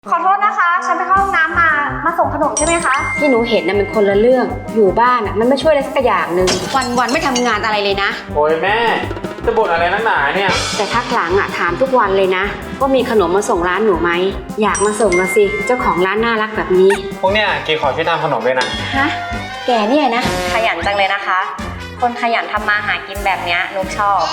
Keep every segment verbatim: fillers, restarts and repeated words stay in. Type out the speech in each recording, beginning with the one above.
ขอโทษนะคะฉันไปเข้าห้องน้ำมามาส่งขนมใช่ไหมคะที่หนูเห็นน่ะมันคนละเรื่องอยู่บ้านน่ะมันไม่ช่วยอะไรสักอย่างหนึ่งวันวันไม่ทำงานอะไรเลยนะโอ้ยแม่จะบ่นอะไรนักหนาเนี่ยแต่พักหลังอ่ะถามทุกวันเลยนะว่ามีขนมมาส่งร้านหนูไหมอยากมาส่งละสิเจ้าของร้านน่ารักแบบนี้พวกเนี้ยกีขอช่วยทำขนมด้วยนะฮะแกเนี่ยนะขยันจังเลยนะคะคนขยันทำมาหากินแบบเนี้ยนุกชอบ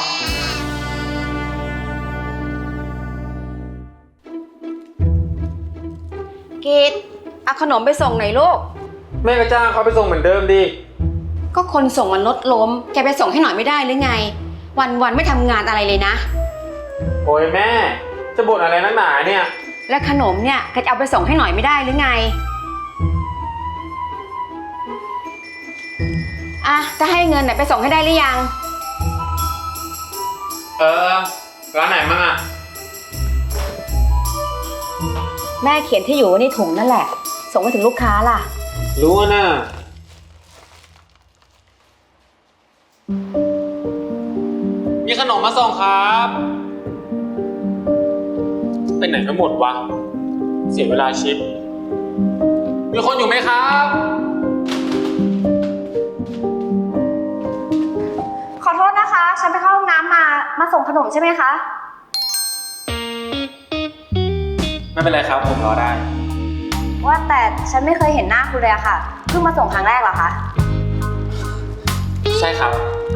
กีดเอาขนมไปส่งหน่อยลูกแม่ก็จ้างเขาไปส่งเหมือนเดิมดิก็คนส่งมันลดล้มแกไปส่งให้หน่อยไม่ได้หรือไงวันวันไม่ทำงานอะไรเลยนะโอ้ยแม่จะบ่นอะไรนักหนาเนี่ยแล้วขนมเนี่ยแกจะเอาไปส่งให้หน่อยไม่ได้หรือไงอ่ะถ้าให้เงินน่ะไปส่งให้ได้หรือยังเออร้านไหนมั่งอะแม่เขียนที่อยู่ไว้ในถุงนั่นแหละส่งไปถึงลูกค้าล่ะรู้นะมีขนมมาส่งครับเป็นไหนไม่หมดวะเสียเวลาชิปมีคนอยู่ไหมครับขอโทษนะคะฉันไปเข้าห้องน้ำมามาส่งขนมใช่ไหมคะไม่เป็นไรครับผมรอได้ว่าแต่ฉันไม่เคยเห็นหน้าคุณเลยอะค่ะเพิ่งมาส่งครั้งแรกเหรอคะใช่ครับ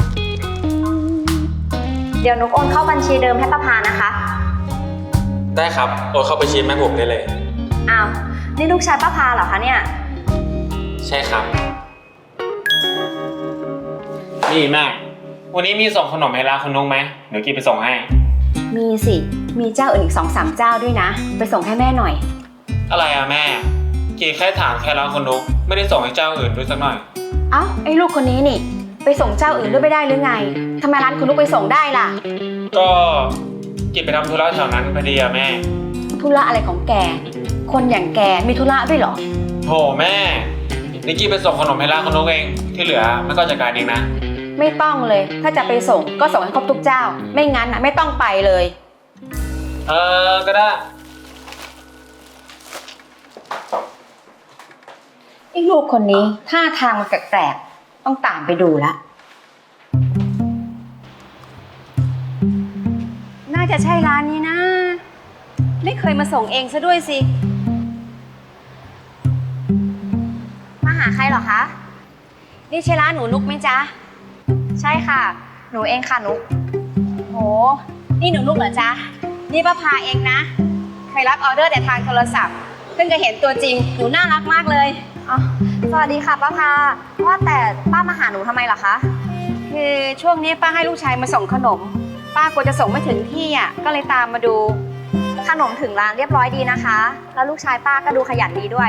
เดี๋ยวนุกโอนเข้าบัญชีเดิมให้ป้าพานะคะได้ครับโอนเข้าบัญชีแม่ผมได้เลยอ้าวนี่ลูกชายป้าพาเหรอคะเนี่ยใช่ครับนี่แม่วันนี้มีส่งขนมให้ร้านคุณนุ๊กไหมเดี๋ยวกีไปส่งให้มีสิมีเจ้าอื่นอีกสองสามเจ้าด้วยนะไปส่งให้แม่หน่อยอะไรอะแม่กีแค่ถามแค่ร้านคุณนุ๊กไม่ได้ส่งให้เจ้าอื่นด้วยสักหน่อยเอ้าไอ้ลูกคนนี้นี่ไปส่งเจ้าอื่นด้วยไม่ได้หรือไงทำไมร้านคุณนุ๊กไปส่งได้ล่ะก็กีไปทำธุระแถวนั้นพอดีอะแม่ธุระอะไรของแกคนอย่างแกมีธุระด้วยเหรอโหแม่นิกกี้ไปส่งขนมให้ร้านคุณนุ๊กเองที่เหลือไม่ก็จัดการเองนะไม่ต้องเลยถ้าจะไปส่งก็ส่งให้ครบทุกเจ้าไม่งั้นนะไม่ต้องไปเลยเออก็ได้ไอ้ลูกคนนี้ท่าทางมันแปลกๆต้องตามไปดูละน่าจะใช่ร้านนี้นะไม่เคยมาส่งเองซะด้วยสิมาหาใครเหรอคะนี่ใช่ร้านหนูนุกไหมจ๊ะใช่ค่ะหนูเองค่ะนุกโหนี่หนูนุกเหรอจ๊ะนี่ป้าพาเองนะเคยรับออเดอร์แต่ทางโทรศัพท์เพิ่งจะเห็นตัวจริงหนูน่ารักมากเลยอ๋อสวัสดีค่ะป้าพาว่าแต่ป้ามาหาหนูทำไมเหรอคะคือช่วงนี้ป้าให้ลูกชายมาส่งขนมป้ากลัวจะส่งไม่ถึงที่อ่ะก็เลยตามมาดูขนมถึงร้านเรียบร้อยดีนะคะแล้วลูกชายป้าก็ดูขยันดีด้วย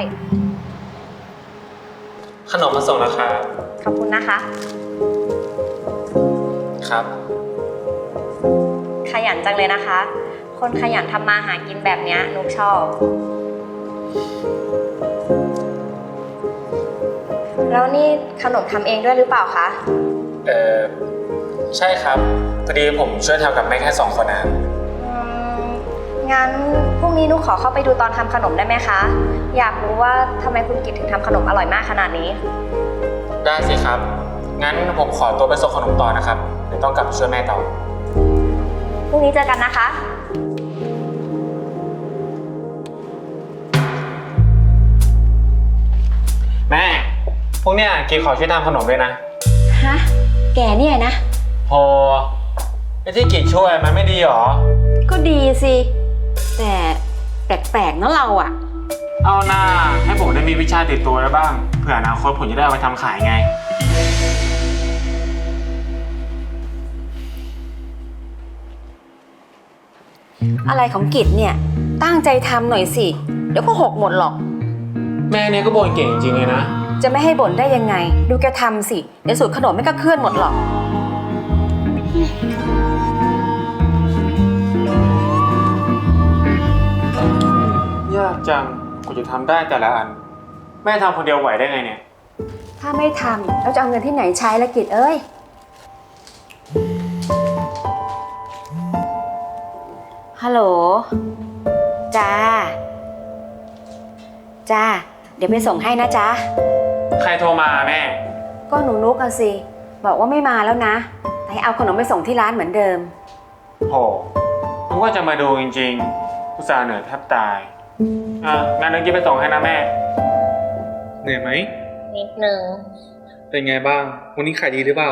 ขนมมาส่งแล้วครับขอบคุณนะคะครับขยันจังเลยนะคะคนขยันทำมาหากินแบบนี้นุกชอบแล้วนี่ขนมทำเองด้วยหรือเปล่าคะเออใช่ครับพอดีผมช่วยทำกับแม่แค่สองคนนะงั้นพรุ่งนี้นุกขอเข้าไปดูตอนทำขนมได้ไหมคะอยากรู้ว่าทำไมคุณกิตถึงทำขนมอร่อยมากขนาดนี้ได้สิครับงั้นผมขอตัวไปส่งขนมต่อนะครับเดี๋ยวต้องกลับช่วยแม่ต่อพรุ่งนี้เจอกันนะคะแม่พวกเนี้ยกีขอช่วยทำขนมด้วยนะฮะแกเนี่ยนะโหไอ้ที่กีช่วยมันไม่ดีหรอก็ดีสิแต่แปลกๆเนาะเราอะเอาหน้าให้ผมได้มีวิชาติดตัวได้บ้างเผื่ออนาคตผมจะได้เอาไปทำขายไงอะไรของกิจเนี่ยตั้งใจทำหน่อยสิเดี๋ยวก็หกหมดหรอกแม่เนี่ยก็บ่นเก่งจริงเลยนะจะไม่ให้บ่นได้ยังไงดูแกทำสิเดี๋ยวสูตรขนมไม่ก็เคลื่อนหมดหรอกยากจังกูจะทำได้แต่ละอันแม่ทำคนเดียวไหวได้ไงเนี่ยถ้าไม่ทำเราจะเอาเงินที่ไหนใช้ละกิจเอ้ยฮัลโหลจ้าจ้า เดี๋ยวไปส่งให้นะจ๊ะใครโทรมาแม่ก็หนูนุกอะสิ บอกว่าไม่มาแล้วนะแต่ให้เอาขนมไปส่งที่ร้านเหมือนเดิมโหผมก็จะมาดูจริงๆอุตส่าห์เหนื่อยแทบตาย อ่ะงั้นเดี๋ยวกิ๊บไปส่งให้นะแม่เหนื่อยไหมนิดนึงเป็นไงบ้าง วันนี้ขายดีหรือเปล่า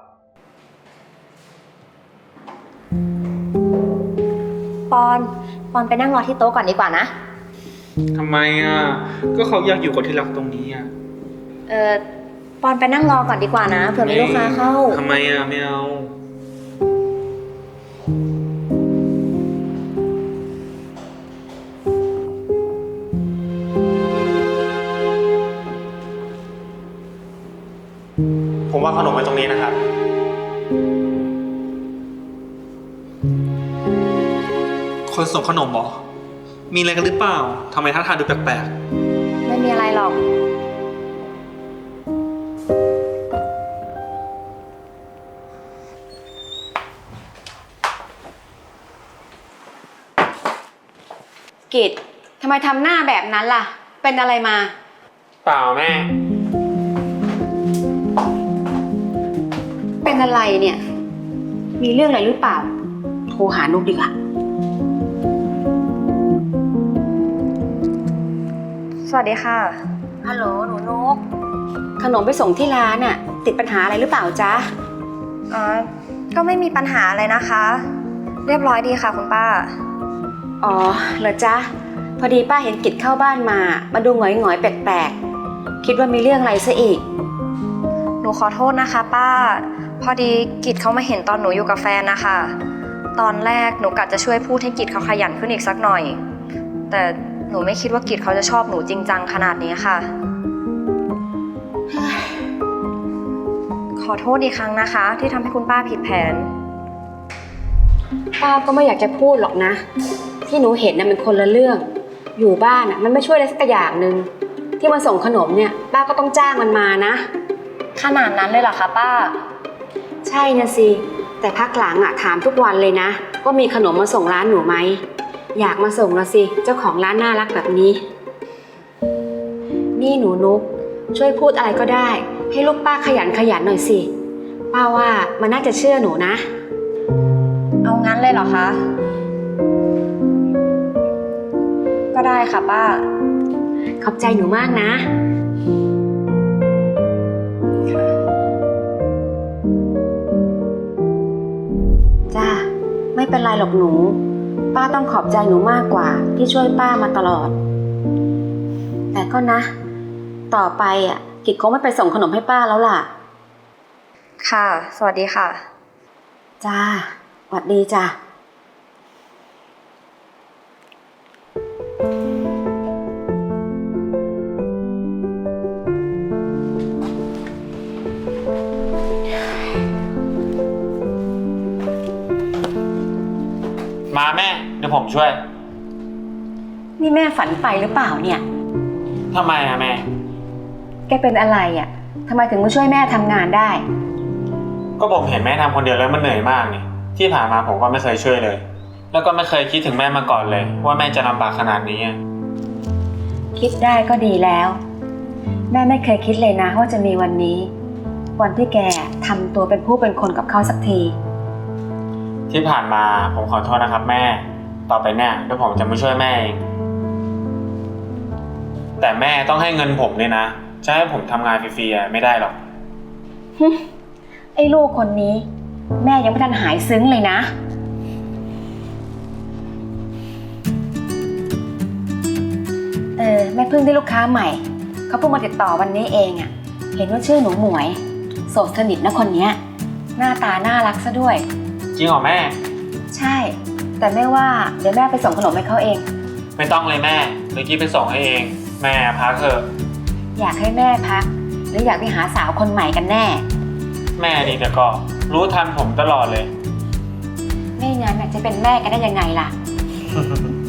ปอน ปอนไปนั่งรอที่โต๊ะก่อนดีกว่านะทำไมอ่ะ ก็เขาอยากอยู่กับที่รักตรงนี้อ่ะเออปอนไปนั่งรอก่อนดีกว่านะเผื่อมีลูกค้าเข้าทำไมอ่ะไม่เอาผมว่าขนมไว้ตรงนี้นะครับคนส่งขนมเหรอ มีอะไรกันหรือเปล่า ทำไมท่าทางดูแปลกไม่มีอะไรหรอกกิจทำไมทำหน้าแบบนั้นล่ะ เป็นอะไรมาเปล่าแม่เป็นอะไรเนี่ย มีเรื่องอะไรหรือเปล่า โทรหานุกดีกว่าสวัสดีค่ะฮัลโหลหนูนุก ขนมไปส่งที่ร้านน่ะ ติดปัญหาอะไรหรือเปล่าจ๊ะอ๋อ ก็ไม่มีปัญหาอะไรนะคะ เรียบร้อยดีค่ะคุณป้าอ๋อเหรอจ๊ะ พอดีป้าเห็นกิจเข้าบ้านมา มาดูหงอยๆแปลกๆ คิดว่ามีเรื่องอะไรซะอีกหนูขอโทษนะคะ ป้า พอดีกิจเขามาเห็นตอนหนูอยู่กับแฟนนะคะ ตอนแรกหนูกะจะช่วยพูดให้กิจเขาขยันขึ้นอีกสักหน่อย แต่หนูไม่คิดว่ากิจเขาจะชอบหนูจริงจังขนาดนี้ค่ะ ขอโทษอีกครั้งนะคะ ที่ทำให้คุณป้าผิดแผนป้าก็ไม่อยากจะพูดหรอกนะ ที่หนูเห็นน่ะมันคนละเรื่อง อยู่บ้านน่ะมันไม่ช่วยอะไรสักอย่างหนึ่งที่มาส่งขนมเนี่ย ป้าก็ต้องจ้างมันมานะขนาดนั้นเลยเหรอคะป้าใช่นะสิ แต่พักหลังอ่ะถามทุกวันเลยนะว่ามีขนมมาส่งร้านหนูไหม อยากมาส่งละสิ เจ้าของร้านน่ารักแบบนี้ นี่หนูนุกช่วยพูดอะไรก็ได้ ให้ลูกป้าขยันขยันหน่อยสิ ป้าว่ามันน่าจะเชื่อหนูนะเอางั้นเลยเหรอคะ ก็ได้ค่ะป้าขอบใจหนูมากนะ จ้าไม่เป็นไรหรอกหนู ป้าต้องขอบใจหนูมากกว่าที่ช่วยป้ามาตลอด แต่ก็นะ ต่อไปอ่ะกิจคงไม่ไปส่งขนมให้ป้าแล้วล่ะค่ะ สวัสดีค่ะจ้าสวัสดีจ้ามาแม่ เดี๋ยวผมช่วยนี่แม่ฝันไปหรือเปล่าเนี่ยทำไมอะแม่แกเป็นอะไรอ่ะทำไมถึงมาช่วยแม่ทำงานได้ก็ผมเห็นแม่ทำคนเดียวแล้วมันเหนื่อยมากนี่ ที่ผ่านมาผมก็ไม่เคยช่วยเลย แล้วก็ไม่เคยคิดถึงแม่มาก่อนเลย ว่าแม่จะลำบากขนาดนี้คิดได้ก็ดีแล้ว แม่ไม่เคยคิดเลยนะว่าจะมีวันนี้ วันที่แกทำตัวเป็นผู้เป็นคนกับเขาสักทีที่ผ่านมาผมขอโทษนะครับแม่ ต่อไปเนี่ยเดี๋ยวผมจะไม่ช่วยแม่เอง แต่แม่ต้องให้เงินผมเลยนะ จะให้ผมทำงานฟรีๆไม่ได้หรอกไอ้ลูกคนนี้ แม่ยังไม่ทันหายซึ้งเลยนะ เออแม่เพิ่งได้ลูกค้าใหม่เขาเพิ่งมาติดต่อวันนี้เองอะ่ะ เห็นว่าชื่อหนูหมวยโสดสนิทนะคนเนี้ยหน้าตาน่ารักซะด้วยจริงเหรอแม่ใช่ แต่แม่ว่าเดี๋ยวแม่ไปส่งขนมให้เขาเองไม่ต้องเลยแม่เมื่อกี้ไปส่งให้เอง แม่พักเถอะอยากให้แม่พัก หรืออยากไปหาสาวคนใหม่กันแน่แม่นี่แต่ก็รู้ทันผมตลอดเลยไม่งั้นน่ะจะเป็นแม่กันได้ยังไงล่ะ